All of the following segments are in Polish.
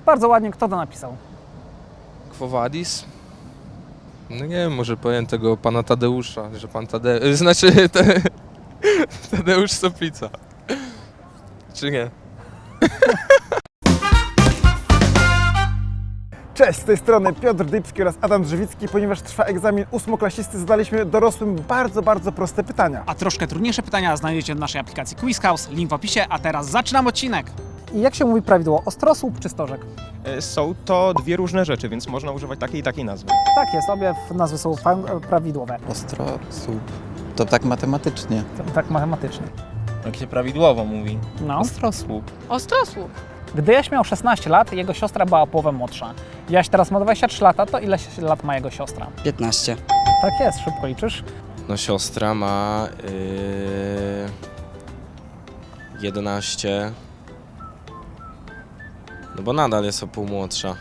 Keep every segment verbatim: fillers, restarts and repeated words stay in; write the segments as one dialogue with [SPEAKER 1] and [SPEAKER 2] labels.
[SPEAKER 1] Bardzo ładnie, kto to napisał?
[SPEAKER 2] Quo Vadis? No nie wiem, może powiem tego pana Tadeusza, że pan Tadeusz, znaczy te, Tadeusz Soplica. Czy nie?
[SPEAKER 3] Cześć, z tej strony Piotr Dybski oraz Adam Drzewicki. Ponieważ trwa egzamin ósmoklasisty, zadaliśmy dorosłym bardzo, bardzo proste pytania.
[SPEAKER 4] A troszkę trudniejsze pytania znajdziecie w naszej aplikacji Quiz House, link w opisie, a teraz zaczynam odcinek.
[SPEAKER 1] I jak się mówi prawidłowo, ostrosłup czy stożek?
[SPEAKER 5] Są to dwie różne rzeczy, więc można używać takiej i takiej nazwy.
[SPEAKER 1] Tak jest, obie nazwy są fa- prawidłowe,
[SPEAKER 6] Ostrosłup. To tak matematycznie.
[SPEAKER 1] tak matematycznie.
[SPEAKER 7] Jak się prawidłowo mówi.
[SPEAKER 1] No.
[SPEAKER 7] Ostrosłup.
[SPEAKER 8] Ostrosłup.
[SPEAKER 1] Gdy Jaś miał szesnaście lat, jego siostra była o połowę młodsza. Jaś teraz ma dwadzieścia trzy lata, to ile lat ma jego siostra?
[SPEAKER 6] piętnaście.
[SPEAKER 1] Tak jest, szybko liczysz.
[SPEAKER 2] No siostra ma yy, jedenaście. No bo nadal jest o pół młodsza.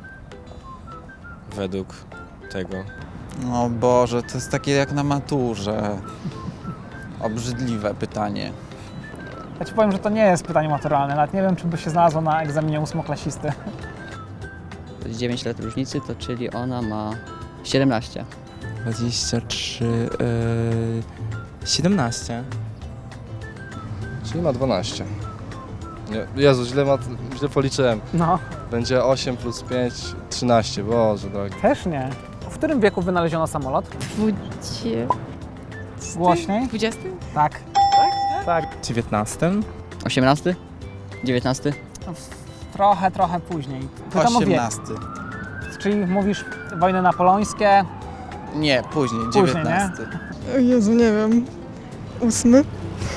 [SPEAKER 2] Według tego.
[SPEAKER 6] O Boże, to jest takie jak na maturze. Obrzydliwe pytanie.
[SPEAKER 1] Ja Ci powiem, że to nie jest pytanie maturalne, nawet nie wiem, czy by się znalazło na egzaminie ósmoklasisty.
[SPEAKER 9] To jest dziewięć lat różnicy, to czyli ona ma siedemnaście.
[SPEAKER 7] dwadzieścia trzy, yy, siedemnaście.
[SPEAKER 10] Czyli ma dwanaście. Nie, Jezu, źle, ma, źle policzyłem.
[SPEAKER 1] No,
[SPEAKER 10] Będzie osiem plus pięć, trzynaście. Boże drogi.
[SPEAKER 1] też nie. W którym wieku wynaleziono samolot?
[SPEAKER 8] Dwudzie...
[SPEAKER 1] Głośniej?
[SPEAKER 8] Dwudziesty?
[SPEAKER 1] Tak. Tak.
[SPEAKER 7] dziewiętnasty.
[SPEAKER 9] osiemnasty? dziewiętnasty?
[SPEAKER 1] Trochę, trochę później. Pytam o wiek.
[SPEAKER 6] osiemnasty.
[SPEAKER 1] Czyli mówisz wojny napoleońskie?
[SPEAKER 6] Nie, później,
[SPEAKER 1] Później,
[SPEAKER 6] dziewiętnasty.
[SPEAKER 8] O Jezu, nie wiem. Ósmy?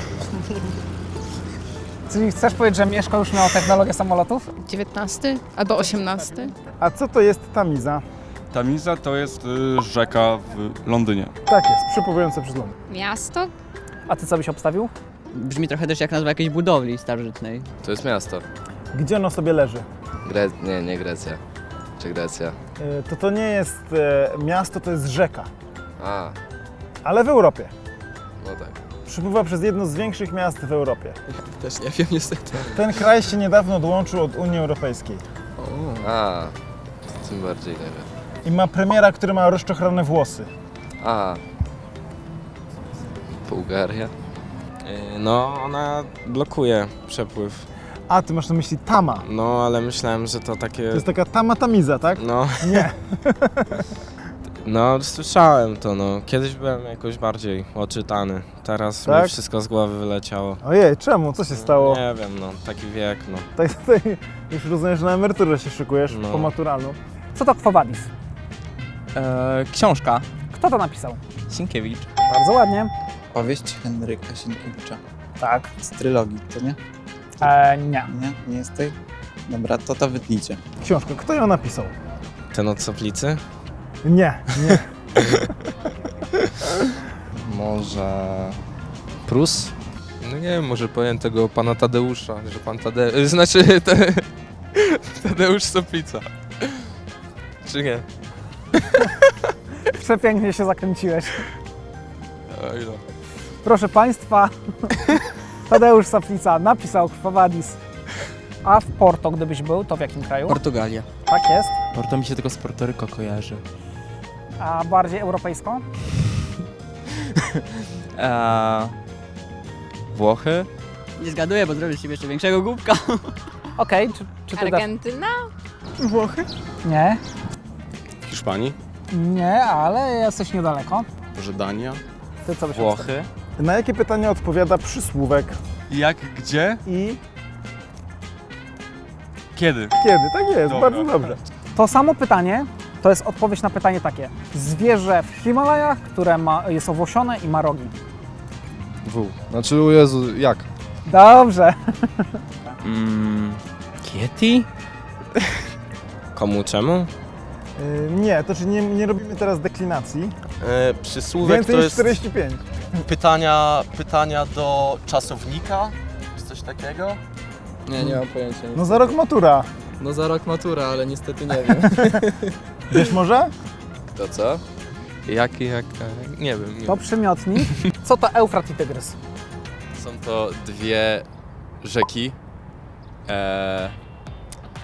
[SPEAKER 1] Czyli chcesz powiedzieć, że Mieszko już miał technologię samolotów?
[SPEAKER 8] Dziewiętnasty? Albo osiemnasty?
[SPEAKER 3] A co to jest Tamiza?
[SPEAKER 11] Tamiza to jest y, rzeka w Londynie.
[SPEAKER 3] Tak jest, przypływająca przez Londyn.
[SPEAKER 8] Miasto?
[SPEAKER 1] A ty co byś obstawił?
[SPEAKER 9] Brzmi trochę też jak nazwa jakiejś budowli starożytnej.
[SPEAKER 2] To jest miasto.
[SPEAKER 3] Gdzie ono sobie leży?
[SPEAKER 2] Gre... Nie, nie Grecja. Czy Grecja?
[SPEAKER 3] E, To to nie jest e, miasto, to jest rzeka.
[SPEAKER 2] A,
[SPEAKER 3] Ale w Europie.
[SPEAKER 2] no tak.
[SPEAKER 3] Przypływa przez jedno z większych miast w Europie.
[SPEAKER 2] Też nie wiem niestety.
[SPEAKER 3] Ten kraj się niedawno odłączył od Unii Europejskiej.
[SPEAKER 2] A, tym bardziej nie wiem.
[SPEAKER 3] I ma premiera, który ma rozczochrane włosy.
[SPEAKER 2] A. Bułgaria? Yy, No, ona blokuje przepływ.
[SPEAKER 3] A, ty masz na myśli Tama.
[SPEAKER 2] No, ale myślałem, że to takie...
[SPEAKER 3] To jest taka Tama Tamiza, tak?
[SPEAKER 2] No,
[SPEAKER 3] Nie.
[SPEAKER 2] no, słyszałem to, no. Kiedyś byłem jakoś bardziej oczytany. Teraz
[SPEAKER 3] Tak?
[SPEAKER 2] mi wszystko z głowy wyleciało.
[SPEAKER 3] Ojej, czemu? Co się stało?
[SPEAKER 2] Nie wiem, no, taki wiek, no.
[SPEAKER 3] Tak, tak, już rozumiem, że na emeryturę się szykujesz,
[SPEAKER 2] No.
[SPEAKER 3] po maturalną.
[SPEAKER 1] Co to Quo Vadis?
[SPEAKER 7] E, książka.
[SPEAKER 1] Kto to napisał?
[SPEAKER 7] Sienkiewicz.
[SPEAKER 1] Bardzo ładnie.
[SPEAKER 6] Powieść Henryka Sienkiewicza.
[SPEAKER 1] Tak.
[SPEAKER 6] Z trylogii, to nie?
[SPEAKER 1] E, nie.
[SPEAKER 6] Nie? Nie jest tej? Dobra, to to wytnijcie.
[SPEAKER 3] Książkę, kto ją napisał?
[SPEAKER 2] Ten od Soplicy?
[SPEAKER 3] Nie, nie.
[SPEAKER 10] Może...
[SPEAKER 2] Prus? No nie wiem, może powiem tego pana Tadeusza, że pan Tadeusz, znaczy te, Tadeusz Soplica. Czy nie?
[SPEAKER 1] Przepięknie się zakręciłeś.
[SPEAKER 2] Oj, no.
[SPEAKER 1] Proszę Państwa, Tadeusz Soplica napisał Quo Vadis. A w Porto, gdybyś był, to w jakim kraju?
[SPEAKER 9] Portugalia.
[SPEAKER 1] Tak jest.
[SPEAKER 7] Porto mi się tylko z Porto Rico kojarzy.
[SPEAKER 1] A bardziej europejsko?
[SPEAKER 7] E, Włochy?
[SPEAKER 9] Nie zgaduję, bo zrobię z siebie jeszcze większego głupka.
[SPEAKER 1] Okej, czy, czy ty dasz?
[SPEAKER 8] Argentyna? Włochy?
[SPEAKER 1] Nie,
[SPEAKER 11] W Hiszpanii?
[SPEAKER 1] nie, ale jesteś niedaleko.
[SPEAKER 11] Może Dania?
[SPEAKER 1] Ty co byś
[SPEAKER 7] Włochy?
[SPEAKER 3] Na jakie pytanie odpowiada przysłówek
[SPEAKER 11] Jak, gdzie,
[SPEAKER 3] i
[SPEAKER 11] kiedy?
[SPEAKER 3] kiedy? Tak jest,
[SPEAKER 11] Dobra.
[SPEAKER 3] bardzo dobrze.
[SPEAKER 1] To samo pytanie to jest odpowiedź na pytanie takie. Zwierzę w Himalajach, które ma, jest owłosione i ma rogi.
[SPEAKER 10] W. Znaczy, o Jezu, jak?
[SPEAKER 1] Dobrze.
[SPEAKER 7] Mm, Kieti?
[SPEAKER 2] Komu, czemu?
[SPEAKER 3] Yy, nie, to czy nie, nie robimy teraz deklinacji.
[SPEAKER 12] E, przysłówek
[SPEAKER 3] Więcej
[SPEAKER 12] to
[SPEAKER 3] niż
[SPEAKER 12] jest
[SPEAKER 3] czterdzieści pięć.
[SPEAKER 12] pytania, pytania do czasownika, czy coś takiego?
[SPEAKER 10] Nie, nie mam pojęcia.
[SPEAKER 3] No za rok matura.
[SPEAKER 10] No za rok matura, ale niestety nie wiem.
[SPEAKER 3] Wiesz może?
[SPEAKER 2] To co? Jaki, jak... Nie wiem. Nie
[SPEAKER 1] To
[SPEAKER 2] wiem.
[SPEAKER 1] przymiotnik. Co to Eufrat i Tygrys?
[SPEAKER 2] Są to dwie rzeki. E,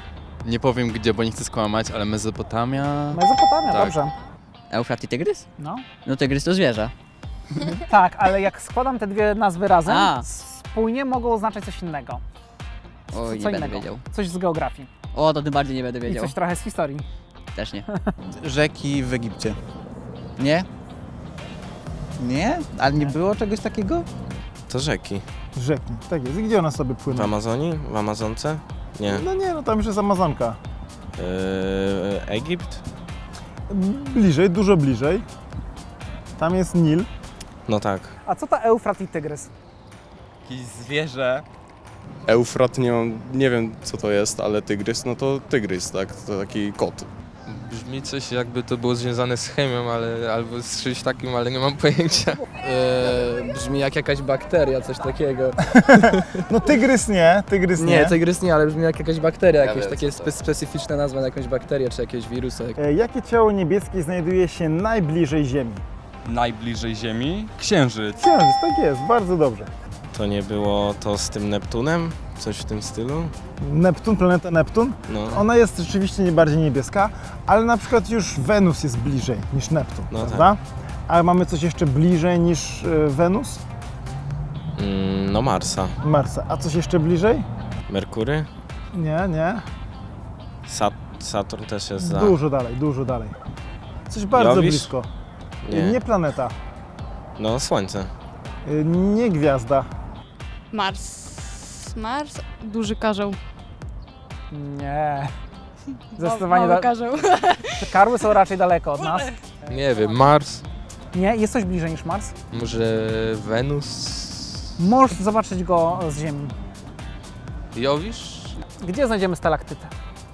[SPEAKER 7] Nie powiem gdzie, bo nie chcę skłamać, ale Mezopotamia...
[SPEAKER 1] Mezopotamia,
[SPEAKER 7] Tak.
[SPEAKER 1] dobrze.
[SPEAKER 9] Eufrat i tygrys?
[SPEAKER 1] No.
[SPEAKER 9] No tygrys to zwierzę.
[SPEAKER 1] Tak, ale jak składam te dwie nazwy razem,
[SPEAKER 9] A.
[SPEAKER 1] spójnie mogą oznaczać coś innego.
[SPEAKER 9] Oj,
[SPEAKER 1] Co
[SPEAKER 9] nie będę
[SPEAKER 1] innego.
[SPEAKER 9] wiedział.
[SPEAKER 1] Coś z geografii.
[SPEAKER 9] O, to tym bardziej nie będę
[SPEAKER 1] I
[SPEAKER 9] wiedział.
[SPEAKER 1] coś trochę z historii.
[SPEAKER 9] Też nie.
[SPEAKER 6] Rzeki w Egipcie.
[SPEAKER 9] Nie?
[SPEAKER 6] Nie? Ale nie było czegoś takiego?
[SPEAKER 2] To rzeki.
[SPEAKER 3] Rzeki, tak jest. I gdzie one sobie
[SPEAKER 2] W
[SPEAKER 3] płyną?
[SPEAKER 2] Amazonii? W Amazonce? Nie.
[SPEAKER 3] No nie, no tam już jest Amazonka.
[SPEAKER 2] Yy, Egipt?
[SPEAKER 3] Bliżej, dużo bliżej. Tam jest Nil.
[SPEAKER 2] No tak.
[SPEAKER 1] A co to Eufrat i Tygrys?
[SPEAKER 7] Jakieś zwierzę.
[SPEAKER 11] Eufrat, nie mam, nie wiem co to jest, ale tygrys, no to tygrys, tak? To taki kot.
[SPEAKER 2] Brzmi coś jakby to było związane z chemią, ale albo z czymś takim, ale nie mam pojęcia.
[SPEAKER 10] Eee, brzmi jak jakaś bakteria, coś takiego.
[SPEAKER 3] No tygrys nie, tygrys nie.
[SPEAKER 10] Nie, tygrys nie, ale brzmi jak jakaś bakteria,
[SPEAKER 2] Ja
[SPEAKER 10] jakieś
[SPEAKER 2] wiem,
[SPEAKER 10] takie
[SPEAKER 2] co to.
[SPEAKER 10] spe specyficzne nazwa na jakąś bakterię czy jakiegoś wirusa.
[SPEAKER 3] E, Jakie ciało niebieskie znajduje się najbliżej Ziemi?
[SPEAKER 11] Najbliżej Ziemi? Księżyc.
[SPEAKER 3] Księżyc, tak jest, bardzo dobrze.
[SPEAKER 2] To nie było to z tym Neptunem? Coś w tym stylu?
[SPEAKER 3] Neptun, planeta Neptun,
[SPEAKER 2] No.
[SPEAKER 3] ona jest rzeczywiście nie bardziej niebieska, ale na przykład już Wenus jest bliżej niż Neptun,
[SPEAKER 2] No
[SPEAKER 3] prawda? A mamy coś jeszcze bliżej niż e, Wenus?
[SPEAKER 2] Mm, no Marsa.
[SPEAKER 3] Marsa. A coś jeszcze bliżej?
[SPEAKER 2] Merkury?
[SPEAKER 3] Nie, nie.
[SPEAKER 2] Sat Saturn też jest za...
[SPEAKER 3] Dużo dalej, dużo dalej. Coś bardzo
[SPEAKER 2] Jowisz?
[SPEAKER 3] blisko.
[SPEAKER 2] Nie.
[SPEAKER 3] Nie planeta,
[SPEAKER 2] No Słońce.
[SPEAKER 3] e, nie gwiazda.
[SPEAKER 8] Mars. Mars? Duży karzeł.
[SPEAKER 1] Nie. Zdecydowanie
[SPEAKER 8] Mały
[SPEAKER 1] da-
[SPEAKER 8] karzeł.
[SPEAKER 1] te karły są raczej daleko od nas.
[SPEAKER 2] Nie wiem, Mars?
[SPEAKER 1] Nie, jest coś bliżej niż Mars.
[SPEAKER 2] Może Wenus?
[SPEAKER 1] Możesz zobaczyć go z Ziemi.
[SPEAKER 2] Jowisz?
[SPEAKER 1] Gdzie znajdziemy stalaktytę?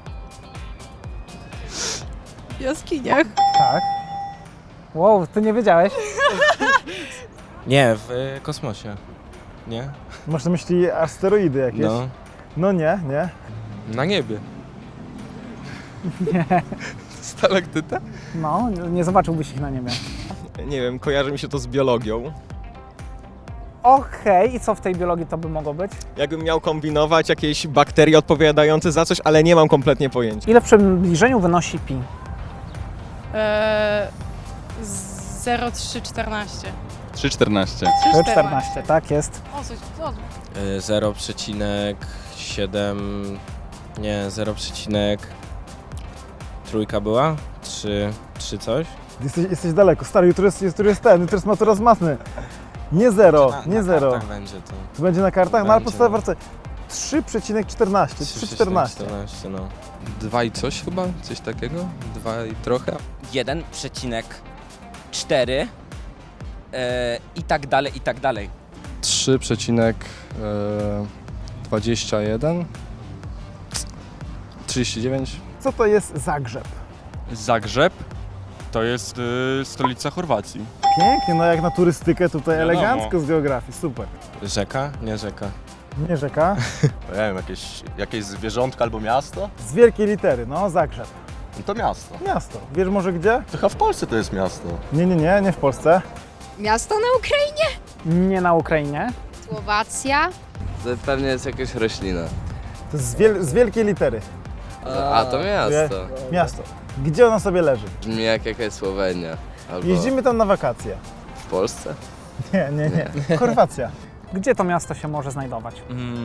[SPEAKER 8] W jaskiniach.
[SPEAKER 1] Tak. Wow, ty nie wiedziałeś?
[SPEAKER 2] Nie, w y, kosmosie. Nie?
[SPEAKER 3] Masz na myśli asteroidy jakieś?
[SPEAKER 2] No.
[SPEAKER 3] No nie, nie.
[SPEAKER 2] Na niebie.
[SPEAKER 1] Nie.
[SPEAKER 2] Stalaktyta?
[SPEAKER 1] No, nie zobaczyłbyś ich na niebie.
[SPEAKER 5] Nie wiem, kojarzy mi się to z biologią.
[SPEAKER 1] Okej, i co w tej biologii to by mogło być?
[SPEAKER 5] Jakbym miał kombinować jakieś bakterie odpowiadające za coś, ale nie mam kompletnie pojęcia.
[SPEAKER 1] Ile w przybliżeniu wynosi pi?
[SPEAKER 8] Eee, zero przecinek trzysta czternaście.
[SPEAKER 11] trzy czternaście.
[SPEAKER 1] czternaście, tak jest.
[SPEAKER 8] O, coś, o,
[SPEAKER 2] Y, zero przecinek siedem... Nie, zero przecinek... Trójka była? trzy... trzy coś?
[SPEAKER 3] Jesteś, jesteś daleko. Stary, jutro jest, jutro jest ten, jutro jest matura z matmy. Nie zero,
[SPEAKER 2] Na-
[SPEAKER 3] nie
[SPEAKER 2] na
[SPEAKER 3] zero.
[SPEAKER 2] kartach będzie to.
[SPEAKER 3] To będzie na kartach? No ale
[SPEAKER 2] Będzie,
[SPEAKER 3] podstawa
[SPEAKER 2] no.
[SPEAKER 3] wartość trzy przecinek czternaście, trzy przecinek czternaście.
[SPEAKER 2] czternaście, no. Dwa i coś chyba? Coś takiego? Dwa i trochę?
[SPEAKER 13] jeden przecinek cztery e, i tak dalej, i tak dalej.
[SPEAKER 10] trzy przecinek dwadzieścia jeden. trzydzieści dziewięć.
[SPEAKER 3] Co to jest Zagrzeb?
[SPEAKER 11] Zagrzeb to jest y, stolica Chorwacji.
[SPEAKER 3] Pięknie, no jak na turystykę tutaj
[SPEAKER 11] Wiadomo.
[SPEAKER 3] elegancko z geografii, super.
[SPEAKER 2] Rzeka? Nie rzeka.
[SPEAKER 3] Nie rzeka,
[SPEAKER 12] Nie wiem, jakieś, jakieś zwierzątko albo miasto?
[SPEAKER 3] z wielkiej litery, no Zagrzeb.
[SPEAKER 12] No to miasto.
[SPEAKER 3] Miasto. Wiesz może gdzie?
[SPEAKER 12] To chyba w Polsce to jest miasto.
[SPEAKER 3] Nie, nie, nie, nie w Polsce.
[SPEAKER 8] Miasto na Ukrainie.
[SPEAKER 1] Nie na Ukrainie.
[SPEAKER 8] Słowacja.
[SPEAKER 10] To pewnie jest jakaś roślina.
[SPEAKER 3] To jest z, wiel- z wielkiej litery.
[SPEAKER 10] A, to miasto.
[SPEAKER 3] Miasto. Gdzie ono sobie leży?
[SPEAKER 10] Brzmi jak jakaś Słowenia. Albo
[SPEAKER 3] Jeździmy tam na wakacje.
[SPEAKER 10] w Polsce.
[SPEAKER 3] Nie, nie, nie. Chorwacja.
[SPEAKER 1] Gdzie to miasto się może znajdować?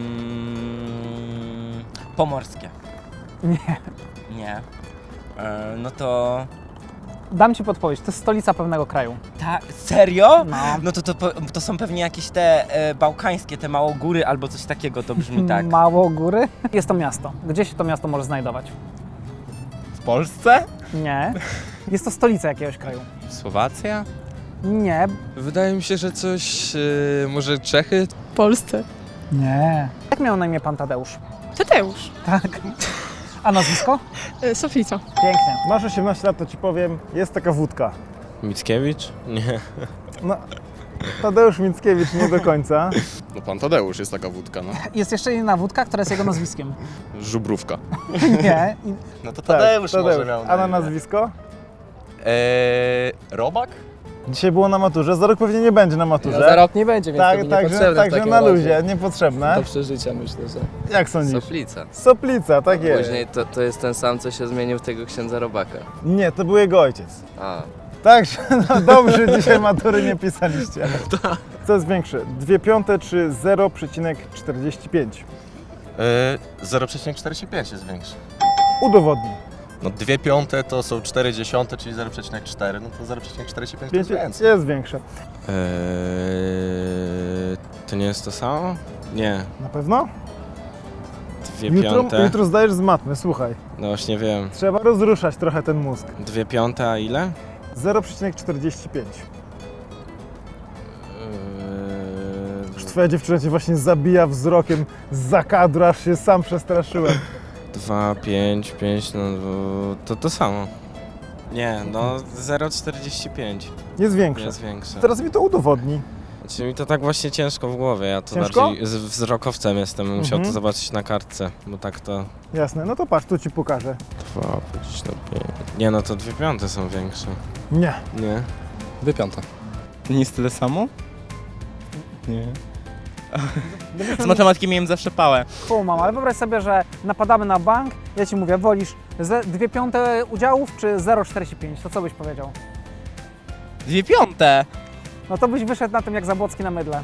[SPEAKER 13] Mm, pomorskie.
[SPEAKER 1] Nie.
[SPEAKER 13] Nie. E, no to...
[SPEAKER 1] Dam ci podpowiedź, to jest stolica pewnego kraju.
[SPEAKER 13] Tak, serio?
[SPEAKER 1] No.
[SPEAKER 13] No to, to, po- to są pewnie jakieś te e, bałkańskie, te małogóry albo coś takiego, to brzmi tak.
[SPEAKER 1] Mało góry. Jest to miasto. Gdzie się to miasto może znajdować?
[SPEAKER 5] W Polsce?
[SPEAKER 1] Nie. Jest to stolica jakiegoś kraju.
[SPEAKER 7] Słowacja?
[SPEAKER 1] Nie.
[SPEAKER 2] Wydaje mi się, że coś... y, może Czechy?
[SPEAKER 8] W Polsce.
[SPEAKER 1] Nie. Jak miał na imię pan Tadeusz?
[SPEAKER 8] Tadeusz.
[SPEAKER 1] Tak. A nazwisko?
[SPEAKER 8] E, Sofica.
[SPEAKER 1] Pięknie.
[SPEAKER 3] Masz osiemnaście lat, to ci powiem, jest taka wódka.
[SPEAKER 2] Mickiewicz? Nie.
[SPEAKER 3] No, Tadeusz Mickiewicz nie do końca.
[SPEAKER 11] No pan Tadeusz jest taka wódka, no.
[SPEAKER 1] Jest jeszcze inna wódka, która jest jego nazwiskiem.
[SPEAKER 11] Żubrówka.
[SPEAKER 1] Nie. I-
[SPEAKER 12] No to
[SPEAKER 3] Tak,
[SPEAKER 12] Tadeusz, może miał
[SPEAKER 3] A na
[SPEAKER 12] imię.
[SPEAKER 3] nazwisko?
[SPEAKER 12] Eee, Robak?
[SPEAKER 3] Dzisiaj było na maturze, za rok pewnie nie będzie na maturze.
[SPEAKER 10] Za rok nie będzie, więc
[SPEAKER 3] tak,
[SPEAKER 10] to mi
[SPEAKER 3] także,
[SPEAKER 10] niepotrzebne w
[SPEAKER 3] także
[SPEAKER 10] takim
[SPEAKER 3] na
[SPEAKER 10] razie.
[SPEAKER 3] luzie, niepotrzebne.
[SPEAKER 10] Do przeżycia myślę, że...
[SPEAKER 3] Jak sądzisz?
[SPEAKER 7] Soplica.
[SPEAKER 3] Soplica, tak jest.
[SPEAKER 7] Później to, to jest ten sam, co się zmienił w tego księdza Robaka.
[SPEAKER 3] Nie, to był jego ojciec.
[SPEAKER 7] A.
[SPEAKER 3] Także no dobrze, dzisiaj matury nie pisaliście. Co jest większe, dwie piąte czy zero przecinek czterdzieści pięć?
[SPEAKER 12] Yy, zero przecinek czterdzieści pięć jest większy.
[SPEAKER 3] Udowodnij.
[SPEAKER 12] No dwie piąte to są cztery dziesiąte, czyli zero przecinek cztery, no to zero przecinek czterdzieści pięć to jest
[SPEAKER 3] pięć
[SPEAKER 12] więcej.
[SPEAKER 3] jest większe.
[SPEAKER 5] Eee, to nie jest to samo? Nie.
[SPEAKER 3] Na pewno?
[SPEAKER 5] Dwie
[SPEAKER 3] Jutro,
[SPEAKER 5] piąte.
[SPEAKER 3] jutro zdajesz z matmy, słuchaj.
[SPEAKER 5] No właśnie wiem.
[SPEAKER 3] Trzeba rozruszać trochę ten mózg.
[SPEAKER 5] Dwie piąte, a ile?
[SPEAKER 3] zero przecinek czterdzieści pięć.
[SPEAKER 5] Eee,
[SPEAKER 3] Już twoja dziewczyna cię właśnie zabija wzrokiem z kadru, aż się sam przestraszyłem.
[SPEAKER 5] dwa, pięć, pięć, no to to samo. Nie, no zero przecinek czterdzieści pięć
[SPEAKER 3] Jest większe.
[SPEAKER 5] jest większe.
[SPEAKER 3] Teraz mi to udowodni.
[SPEAKER 5] Znaczy mi to tak właśnie ciężko w głowie, ja to
[SPEAKER 3] Ciężko?
[SPEAKER 5] bardziej z wzrokowcem jestem, bym musiał
[SPEAKER 3] Mhm.
[SPEAKER 5] to zobaczyć na kartce, bo tak to...
[SPEAKER 3] Jasne, no to patrz, tu ci pokażę.
[SPEAKER 5] dwa, pięć, no pięć. Nie no, to dwie piąte są większe.
[SPEAKER 3] Nie.
[SPEAKER 5] Nie?
[SPEAKER 10] Dwie piąte.
[SPEAKER 7] Nie jest tyle samo? Nie. Z matematyki miałem zawsze pałę.
[SPEAKER 1] Kumam, ale wyobraź sobie, że napadamy na bank, ja ci mówię, wolisz ze dwie piąte udziałów czy zero przecinek czterdzieści pięć? To co byś powiedział?
[SPEAKER 7] Dwie piąte!
[SPEAKER 1] No to byś wyszedł na tym jak Zabłocki na mydle.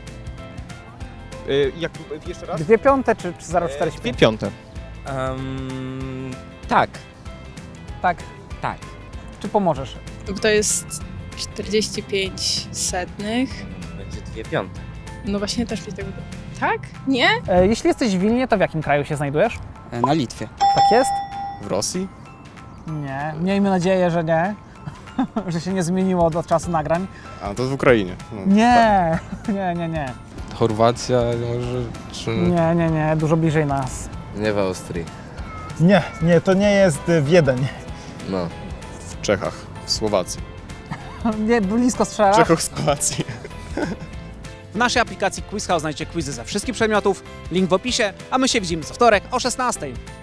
[SPEAKER 5] Y, jak, jeszcze raz?
[SPEAKER 1] Dwie piąte czy, czy zero przecinek czterdzieści
[SPEAKER 5] Dwie
[SPEAKER 1] pięć?
[SPEAKER 5] piąte.
[SPEAKER 13] Um, tak,
[SPEAKER 1] Tak.
[SPEAKER 13] tak.
[SPEAKER 1] Czy pomożesz?
[SPEAKER 8] To jest czterdzieści pięć setnych.
[SPEAKER 13] Będzie dwie piąte.
[SPEAKER 8] No właśnie też mi tego... Tak? Nie?
[SPEAKER 1] E, jeśli jesteś w Wilnie, to w jakim kraju się znajdujesz?
[SPEAKER 9] Na Litwie.
[SPEAKER 1] Tak jest?
[SPEAKER 11] W Rosji?
[SPEAKER 1] Nie. Miejmy nadzieję, że nie. Że się nie zmieniło od, od czasu nagrań.
[SPEAKER 11] A, to w Ukrainie. No,
[SPEAKER 1] Nie, nie, nie, nie.
[SPEAKER 2] Chorwacja może, czy...
[SPEAKER 1] Nie, nie, nie. Dużo bliżej nas.
[SPEAKER 7] Nie w Austrii.
[SPEAKER 3] Nie, nie, to nie jest y, Wiedeń.
[SPEAKER 7] No.
[SPEAKER 11] w Czechach, w Słowacji.
[SPEAKER 1] Nie, blisko strzelasz.
[SPEAKER 11] Czechosłowacji.
[SPEAKER 4] W naszej aplikacji Quiz House znajdziecie quizy ze wszystkich przedmiotów, link w opisie, a my się widzimy co wtorek o szesnastej.